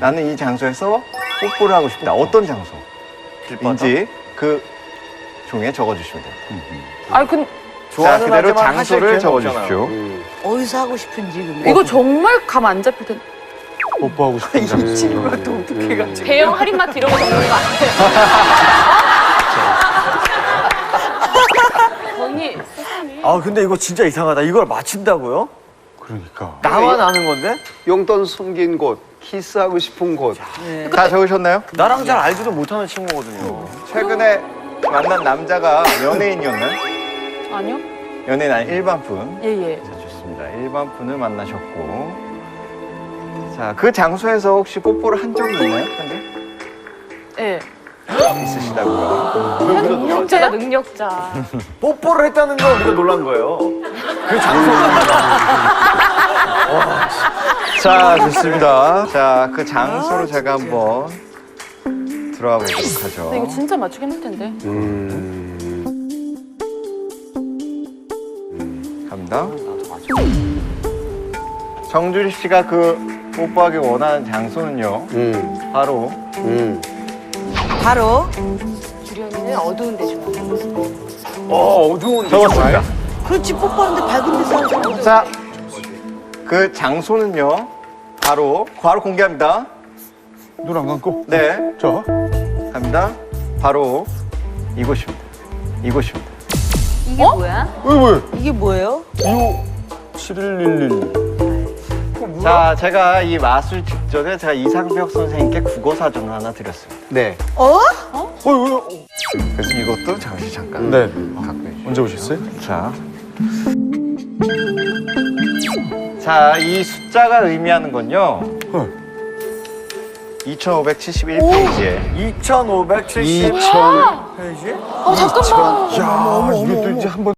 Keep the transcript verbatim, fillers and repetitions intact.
나는 이 장소에서 뽀뽀를 하고 싶다. 어떤 장소인지 그 종이에 적어주시면 돼요. 아니 근 자, 좋아하는 그대로 하지만 하실 장소를 기회는 적어주십시오. 어디서 하고 싶은지 그러면. 이거 정말 감 안 잡힐 텐데. 뽀뽀하고 싶은 장소. 친구가 또 어떻게 해가지고. 대형 할인마트 이런 거 적는 거 아니에요? 언니 세상에. 아 근데 이거 진짜 이상하다. 이걸 맞힌다고요? 그러니까. 나만 아는 건데? 용돈 숨긴 곳, 키스하고 싶은 곳. 다 적으셨나요? 나랑 잘 알지도 못하는 친구거든요. 최근에 만난 남자가 연예인이었나요? 아니요? 연예인 아니 일반 분. 예예. 자, 좋습니다. 일반 분을 만나셨고. 자, 그 장소에서 혹시 뽀뽀를 한 적이 있나요? 현재? 예. 있으시다고요. 능력자야 능력자. 뽀뽀를 했다는 건 우리가 놀란 거예요. 그 장소가. 자, 좋습니다. 자, 그 장소로 제가 한번 들어가 보도록 하죠. 근데 이거 진짜 맞추기 힘들 텐데. 갑니다. 정주리 씨가 그 뽀뽀하기 원하는 장소는요. 음, 바로 음. 바로 주련이는 어두운 데 좋아해요. 어 어두운 데. 적었습니다. 그렇지 뽀뽀하는데 밝은 데서 하는 사람. 자, 그 장소는요. 바로 바로 공개합니다. 눈 안 감고. 네, 자. 갑니다. 바로 이곳입니다. 이곳입니다. 이게 뭐야? 왜 왜? 이게 뭐예요? 칠일일일. 자, 제가 이 마술 직전에 제가 이상벽 선생님께 국어 사전을 하나 드렸습니다. 네. 어? 어 왜? 그래서 이것도 잠시 잠깐 네. 갖고 계시죠. 언제 오셨어요? 자, 자, 이 숫자가 의미하는 건요. 네. 이천오백칠십일 페이지에 이천오백칠십 이천. 페이지? 어 잠깐만. 야, 이게 또 이제 한번